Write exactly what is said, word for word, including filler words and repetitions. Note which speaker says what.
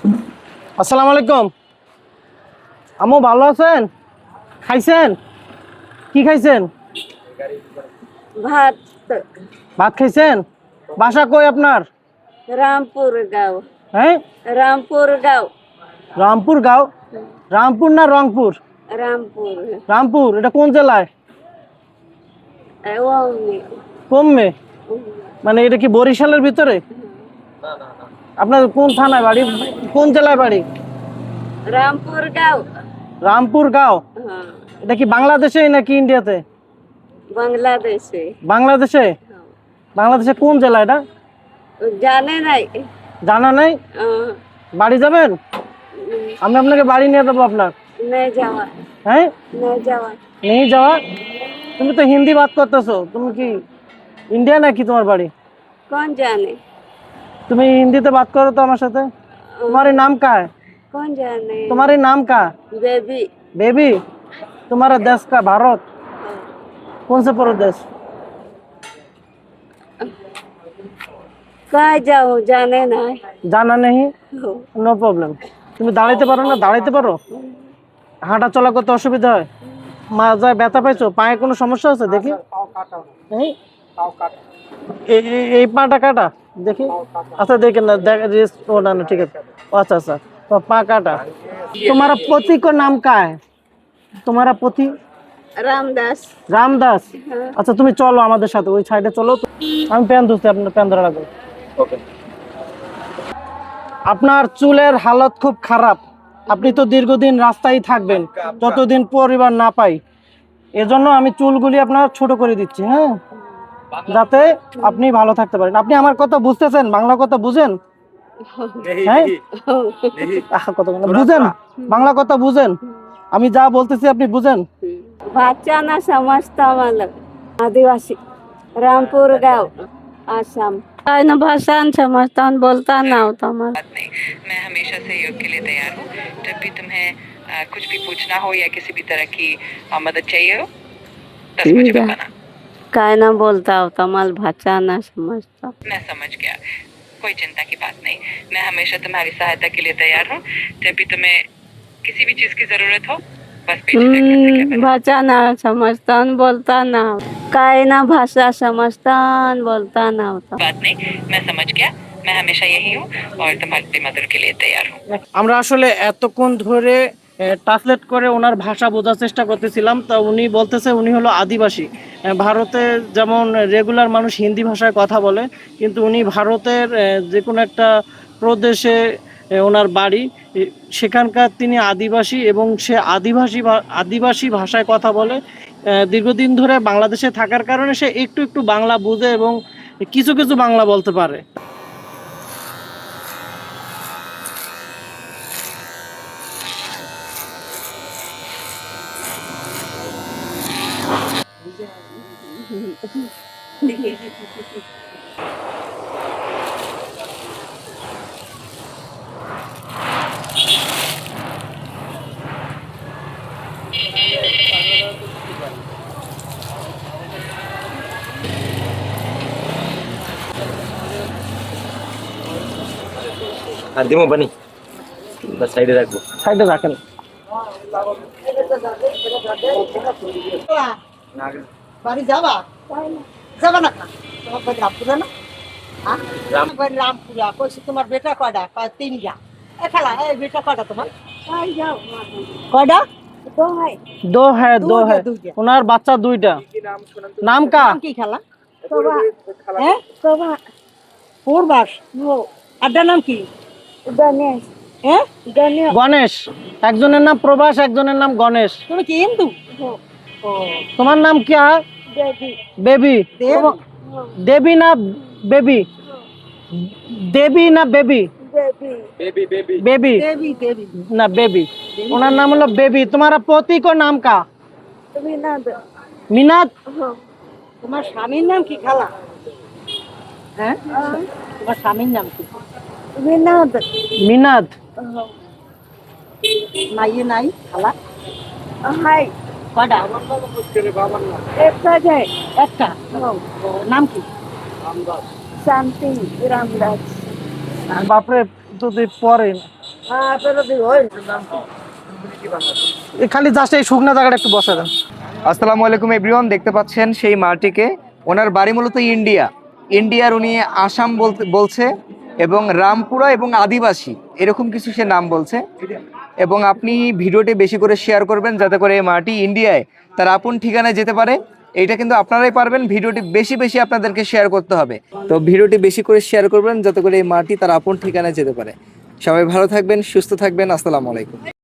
Speaker 1: আসসালামু আলাইকুম। আম্মু ভালো আছেন? খাইছেন? কি খাইছেন?
Speaker 2: ভাত।
Speaker 1: ভাত খাইছেন? বাসা কই আপনার?
Speaker 2: রামপুর গাঁও।
Speaker 1: হ্যাঁ,
Speaker 2: রামপুর গাঁও।
Speaker 1: রামপুর গাঁও। রামপুর না রংপুর?
Speaker 2: রামপুর।
Speaker 1: রামপুর এটা কোন জেলায়?
Speaker 2: ওমনি।
Speaker 1: কমবে মানে এটা কি বরিশালের ভিতরে? আপনার কোন থানায় বাড়ি, কোন জেলায় বাড়ি?
Speaker 2: রামপুর গাঁও।
Speaker 1: রামপুর গাঁও।
Speaker 2: হ্যাঁ,
Speaker 1: এটা কি বাংলাদেশে নাকি ইন্ডিয়াতে?
Speaker 2: বাংলাদেশে।
Speaker 1: বাংলাদেশে। বাংলাদেশে কোন জেলা এটা?
Speaker 2: জানে নাই।
Speaker 1: জানা নাই?
Speaker 2: আহ,
Speaker 1: বাড়ি যাবেন? আমি আপনাকে বাড়ি নিয়ে দেবো আপনার।
Speaker 2: नहीं जावा।
Speaker 1: হ্যাঁ,
Speaker 2: नहीं जावा।
Speaker 1: নেই যাওয়া। তুমি তো হিন্দি বাত করতেছো, তুমি কি ইন্ডিয়া নাকি তোমার বাড়ি?
Speaker 2: कौन जाने?
Speaker 1: তুমি হিন্দিতে বাত করো তো আমার সাথে। तुम्हारे नाम का है?
Speaker 2: कौन जाने?
Speaker 1: तुम्हारे नाम का?
Speaker 2: बेबी।
Speaker 1: बेबी। तुम्हारा देश का भारत कौन से प्रदेश?
Speaker 2: कहाँ जाओ जाने नहीं।
Speaker 1: জানা নেই। No problem. তুমি দাঁড়াইতে পারো না? দাঁড়াইতে পারো? হাঁটা চলা করতে অসুবিধা হয়? মাজায় ব্যথা পাইছো? পায়ে কোনো সমস্যা আছে দেখি? এই এই- এই- এই পাটা কাটা দেখি। আচ্ছা দেখেন না, দেখ রেস্ট। ও না না ঠিক আছে। ও আচ্ছা আচ্ছা, তো পা কাটা। तुम्हारा पति को नाम का है? तुम्हारा पति?
Speaker 2: रामदास।
Speaker 1: রামদাস।
Speaker 2: हाँ।
Speaker 1: আচ্ছা তুমি চলো আমাদের সাথে, ওই সাইডে চলো তো। আমি প্যান ধুচ্ছি, আপনার প্যান ধরা লাগবে। ওকে। আপনার চুলের হালত খুব খারাপ। আপনি তো দীর্ঘদিন রাস্তায় থাকবেন যতদিন পরিবার না পাই। এজন্য আমি চুলগুলি আপনার ছোট করে দিচ্ছি, হ্যাঁ, যাতে আপনি ভালো থাকতে পারেন। আপনি আমার কথা বুঝতেছেন? বাংলা কথা বুঝেন? হ্যাঁ, আহা, কথা বলেন। বুঝেন? বাংলা কথা বুঝেন? আমি যা বলতেছি আপনি বুঝেন?
Speaker 2: भाषा ना समझता मतलब आदिवासी। रामपुर गाँव आसाम। न भाषा न समझता न बोलता ना होता मतलब।
Speaker 3: बात नहीं, मैं हमेशा सहयोग के लिए तैयार हूँ। जब भी तुम्हें आ, कुछ भी पूछना हो या किसी भी तरह की आ, मदद चाहिए हो, बस मुझे बताना।
Speaker 2: काय ना बोलता होता मल भाषा ना समझता।
Speaker 3: मैं समझ गया, कोई चिंता की बात नहीं। मैं हमेशा तुम्हारी सहायता के लिए तैयार हूँ। जब भी तुम्हें किसी भी चीज की जरूरत हो, बस बेझिझक मुझसे कहना।
Speaker 2: भाषा ना समझता न बोलता ना। काय ना भाषा समझता न बोलता ना होता।
Speaker 3: बात नहीं, मैं समझ गया। मैं हमेशा यही हूँ और तुम्हारी मदद के लिए तैयार हूँ।
Speaker 1: আমরা আসলে এতক্ষণ ধরে ট্রান্সলেট করে ওনার ভাষা বোঝার চেষ্টা করতেছিলাম। তা উনি বলতেছে উনি হলো আদিবাসী। আহ, ভারতে যেমন রেগুলার মানুষ হিন্দি ভাষায় কথা বলে, কিন্তু উনি ভারতের আহ, যে কোনো একটা প্রদেশে আহ, ওনার বাড়ি। এ, সেখানকার তিনি আদিবাসী এবং সে আদিবাসী ভা- আদিবাসী ভাষায় কথা বলে। আহ, দীর্ঘদিন ধরে বাংলাদেশে থাকার কারণে সে একটু একটু বাংলা বোঝে এবং কিছু কিছু বাংলা বলতে পারে।
Speaker 4: আর দিমো বানি বা সাইডে রাখবো।
Speaker 1: সাইডে রাখেন।
Speaker 5: বাড়ি যাবা যাবা না কা? তোমার বাড়ি রামপুরা না? হ্যাঁ,
Speaker 4: রাম-
Speaker 5: আমার বাড়ি রামপুরা। কইছি তোমার বেটা কয়টা? কয় তিনটা। এ খালা, এই বেটা কয়টা তোমার? কয়টা?
Speaker 1: दो है, दो
Speaker 5: দুইটা,
Speaker 1: है।
Speaker 5: দুইটা।
Speaker 1: ওনার বাচ্চা দুইটা। নাম কা?
Speaker 5: নাম কি খালা? হ্যাঁ, পূর্বাস। আড্ডার নাম কি?
Speaker 2: गणेश।
Speaker 5: হ্যাঁ,
Speaker 2: गणेश।
Speaker 1: গণেশ। একজনের নাম প্রভাস, একজনের নাম গণেশ।
Speaker 5: তুমি কি হিন্দু? ও,
Speaker 1: তোমার নাম কি?
Speaker 2: बेबी।
Speaker 1: বেবি।
Speaker 5: দেব।
Speaker 1: দেবী না বেবি? দেবী না baby?
Speaker 2: Baby.
Speaker 1: Baby
Speaker 5: Devi Devi.
Speaker 1: না বেবি। ওনার নাম হলো বেবি। তোমার পতি কো নাম কা?
Speaker 2: विनोद।
Speaker 1: মিনাত।
Speaker 5: তোমার স্বামীর নাম কি খালা? হ্যাঁ, তোমার স্বামীর নাম কি?
Speaker 2: विनोद।
Speaker 1: মিনাত।
Speaker 5: মাইয়ে নাই খালা?
Speaker 2: हाय।
Speaker 5: কয়টা?
Speaker 2: एक है।
Speaker 5: একটা। ও, নাম কি?
Speaker 2: शांति रामदास।
Speaker 1: বাপরে, যদি পরে এই খালি জাস্ট এই শুকনা জায়গাটা একটু বসা দেন।
Speaker 6: আসসালামু আলাইকুম এভরিওয়ান, দেখতে পাচ্ছেন সেই মাটিকে। ওনার বাড়ি মূলত ইন্ডিয়া ইন্ডিয়ার উনি আসাম বলতে বলছে এবং রামপুরা এবং আদিবাসী এরকম কিছু সে নাম বলছে। এবং আপনি ভিডিওটি বেশি করে শেয়ার করবেন যাতে করে এই মাটি ইন্ডিয়ায় তার আপন ঠিকানায় যেতে পারে। এইটা কিন্তু আপনারাই পারবেন, ভিডিওটি বেশি বেশি আপনাদেরকে শেয়ার করতে হবে। তো ভিডিওটি বেশি করে শেয়ার করবেন যাতে করে এই মাটি তার আপন ঠিকানায় যেতে পারে। সবাই ভালো থাকবেন, সুস্থ থাকবেন। আসসালামু আলাইকুম।